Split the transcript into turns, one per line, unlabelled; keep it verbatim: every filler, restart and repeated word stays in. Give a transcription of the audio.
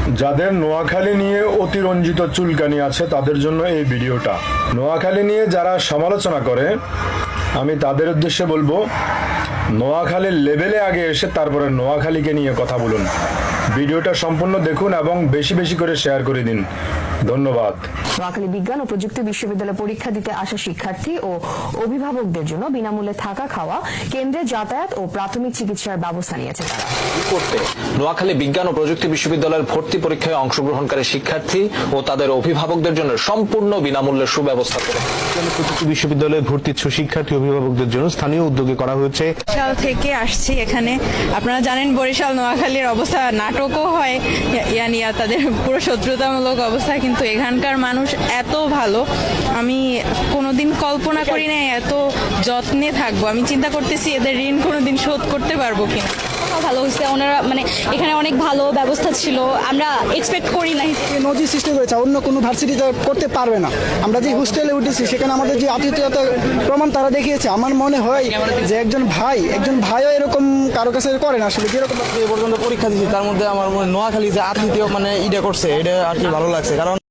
যাদের নোয়াখালী নিয়ে অতিরঞ্জিত চুলকানি আছে তাদের জন্য এই ভিডিওটা। নোয়াখালী নিয়ে যারা সমালোচনা করে আমি তাদের উদ্দেশ্যে বলবো, নোয়াখালীর লেভেলে আগে এসে তারপরে নোয়াখালীকে নিয়ে কথা বলুন। ভিডিওটা সম্পূর্ণ দেখুন এবং বেশি বেশি করে শেয়ার করে দিন। ধন্যবাদ।
নোয়াখালী বিজ্ঞান ও প্রযুক্তি বিশ্ববিদ্যালয়ে পরীক্ষা দিতে আসা শিক্ষার্থী ও অভিভাবকদের জন্য বিনামূল্যে থাকা খাওয়া, কেন্দ্রে যাতায়াত ও প্রাথমিক চিকিৎসার ব্যবস্থা নিয়েছে তারা।
করতে নোয়াখালী বিজ্ঞান ও প্রযুক্তি বিশ্ববিদ্যালয়ের ভর্তি পরীক্ষায় অংশগ্রহণকারী শিক্ষার্থী ও তাদের অভিভাবকদের জন্য সম্পূর্ণ বিনামূল্যে সুব্যবস্থা করে
প্রযুক্তি বিশ্ববিদ্যালয়ে ভর্তি ইচ্ছুক শিক্ষার্থী অভিভাবকদের জন্য স্থানীয় উদ্যোগে করা হয়েছে।
বরিশাল থেকে আসছি এখানে। আপনারা জানেন বরিশাল নোয়াখালীর অবস্থা, নাটকও হয় ইয়ানিয়া, তাদের পুরো শত্রুতামূলক অবস্থা, কিন্তু এখানকার মানুষ এত ভালো, আমি কোনোদিন কল্পনা করি না এত যত্নে থাকবো। আমি চিন্তা করতেছি এদের ঋণ কোনোদিন শোধ করতে পারবো কিনা।
ভালো হয়েছে, ওনারা মানে এখানে অনেক ভালো ব্যবস্থা ছিল, আমরা এক্সপেক্ট করি নাই।
নজির সৃষ্টি করেছে, অন্য কোনো ভার্সিটিতে করতে পারবে না। আমরা যে হোস্টেলে উঠেছি সেখানে আমাদের যে আতিথেয়তার প্রমাণ তারা দেখিয়েছে। আমার মনে হয় যে একজন ভাই একজন ভাইও এরকম কারো কাছে করে না আসলে। যেরকম
এ পর্যন্ত পরীক্ষা দিচ্ছি তার মধ্যে আমার নোয়াখালী যে আতিথেয় মানে ইটা করছে এটা আর কি ভালো লাগছে, কারণ